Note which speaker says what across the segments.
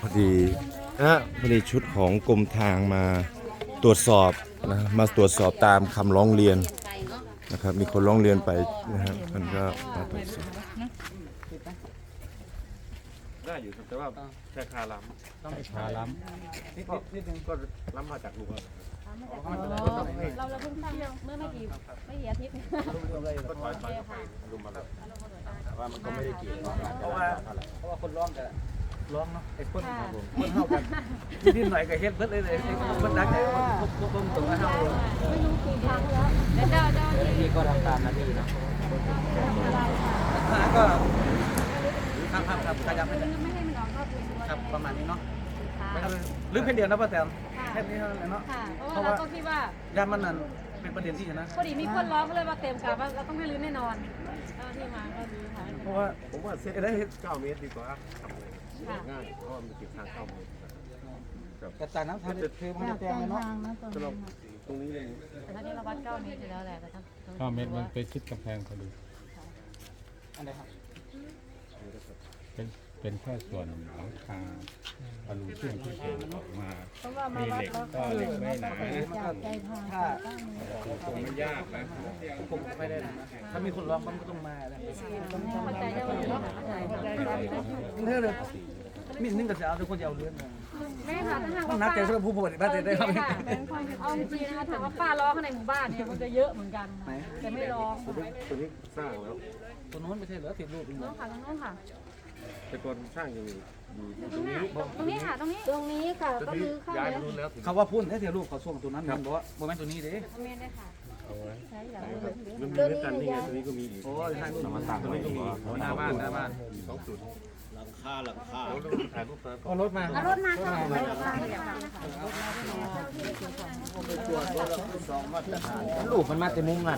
Speaker 1: พอดีพอดีชุดของกรมทางมาตรวจสอบนะมาตรวจสอบตามคำร้องเรียนนะครับมีคนร้องเรียนไปนะครับมันก็มาตรวจสอบ
Speaker 2: ได้อยู่ครับแต่ว่าแค่คาล้ำต้องคาล้ำนิดนึงก็ล้ำมาจากลุงแล้ว
Speaker 3: เราเพิ่งสร้างเมื่อไม่กี่อาทิตย์
Speaker 2: ก็ถอยไปลุงมาแล้วแต่ว่ามันก็ไม่ได้เกี่ยวเพราะว่าคนร้องกันร้องเนาะไอ้คนเท่ากันนิดหน่อยก็เฮ็ดเบิดเลยคนดักแต่คนตรงกันเท่า
Speaker 3: ไม่รู้กี่ครั้งแล้วเจ้า
Speaker 2: ที่ก็ทำตามหน้าที่เนาะก็ครับขยับไปเลย
Speaker 3: ไม่ให้มันออกนอกพื้นที่
Speaker 2: ครับประมาณนี้เนาะหรือเพียงเดียวนะป้าแตมแค่นี้เท่านั้นเนาะ
Speaker 3: เพราะว่าเราก็คิดว่า
Speaker 2: ญาติมันนั่นเป็นประเด็นที่นะ
Speaker 3: พอดีมีคนร้องก็เลยว่าเต็มกลับว่าเราต้องให้รื้อแน่นอนที่มาก็รื้อค่ะ
Speaker 2: เพราะว่าผมว่าเซตได้9 เมตรดีกว่าง่ายเพราะว่ามันติดทาง9 เมตรกระจายน้ำทางเทมันจะแตงเนาะตรงนี้เลย
Speaker 3: แต่ถ้าที่เราวัด9 เมตรอยู่แล้วแหละแต่ถ้า
Speaker 4: 9 เมตรมันไปชิดกำแพงพอดี
Speaker 2: อันไหนครับ
Speaker 4: เป็นแค่ส่วนหลังคาอลูเซียมที่เป็นออกมามีเหล็กก็เหล็กไม่หนา
Speaker 2: ถ้าคงไม่ยากนะผมไม่ได้นะถ้ามีคนร้องมันก็ต้องมาแล้ว
Speaker 3: เข้าใจได้ว่าเนาะ
Speaker 2: เท่เลยมีนึงก็จะเอาทุกคนจะเอาเรื่อง
Speaker 3: แม่ค่ะถ้าหากว่า
Speaker 2: นักใจสำหรับผู้ปฏิบัติได้ครับ
Speaker 3: เอาจริงนะคะถามว่าป้าร้องข้างในหมู่บ้านเนี่ยมันจะเยอะเหมือนกันแต่ไม่ร้อง
Speaker 2: ตัวนี้สร้างแล้วตัวโน้นไม่ใช่เหรอติดรูป
Speaker 3: น้องค่ะน้องค่ะ
Speaker 2: แต่ก่อนสร้างอยู่
Speaker 3: ตรงนี้ค่ะตรงนี้ค่ะก็คือเข้า
Speaker 2: แล้วเขาว่าพุ่นแค่เทียรูปเขาส่งตัวนั้นบอกว่าโมเมนต์ตัวนี้เด้
Speaker 3: เมนได้ค่ะใช่อย่าง
Speaker 2: มันมีด้วยกันนี่ไงตัวนี้ก็มีอีกโอ้ยใช่ตัวนี้ต่างตัวนี้ก็มีหน้าบ้าน2 จุดหลังคาถ่ายรูปเอารถมา
Speaker 3: ค่ะ
Speaker 2: ลูกมันมาแต่มุมนั่น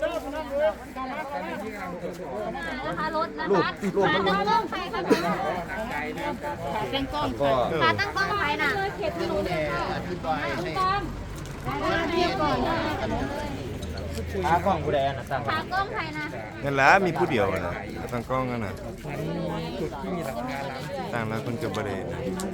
Speaker 3: นะคะรถนะคะขาตั้งกล้องไฟค่ะขาตั้งกล้องขาตั้งกล้องไฟน่ะเขตถนนเลยค่ะ
Speaker 2: ขากล้องกูแดงนะตั้ง
Speaker 3: ขากล้องไฟนะ
Speaker 1: นั่นแหละมีผู้เดียวนะตั้งกล้องกันนะตั้งแล้วคนจะบริเวณ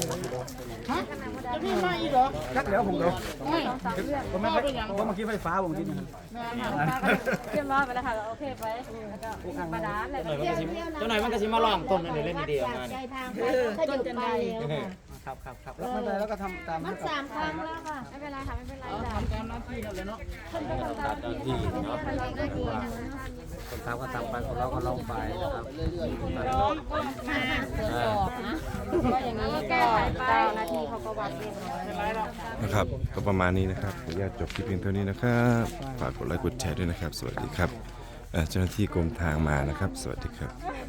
Speaker 2: นี่มาอีกเหรอชักเดี๋ยวผมเดี๋ยวผมไม่ผมเมื่อกี้ไฟฟ้าผมกิน
Speaker 3: เรียบร้อยไปแล้วค่ะโอเคไปแล้วก็กระดานเลย
Speaker 2: เจ้าหน่อยมันก็ชิมาลองต้นนั่นเล่นดีๆงาน
Speaker 3: ต้นจันทร์
Speaker 2: ครับแล้วมันแล้วก็ทำตาม
Speaker 3: มัน3 ครั้งแล้วค่ะไม่เป็นไรค่ะไม่เป็นไร
Speaker 2: ทำตามหน้าที่นั่นเลยเนาะ
Speaker 3: ทำตามหน้าที่เนาะ
Speaker 2: คนทำก็ทำไปคนเราก็ลองไปนะครับ
Speaker 3: ร้องก็มาตรวจสอบนะก็อย่างนี้แก้ไขไปนาทีเขาก็วัดเรียบร้อย
Speaker 1: นะครับก็ประมาณนี้นะครับขออนุญาตจบคลิปเพียงเท่านี้นะครับฝากกดไลค์กดแชร์ด้วยนะครับสวัสดีครับเจ้าหน้าที่กรมทางมานะครับสวัสดีครับ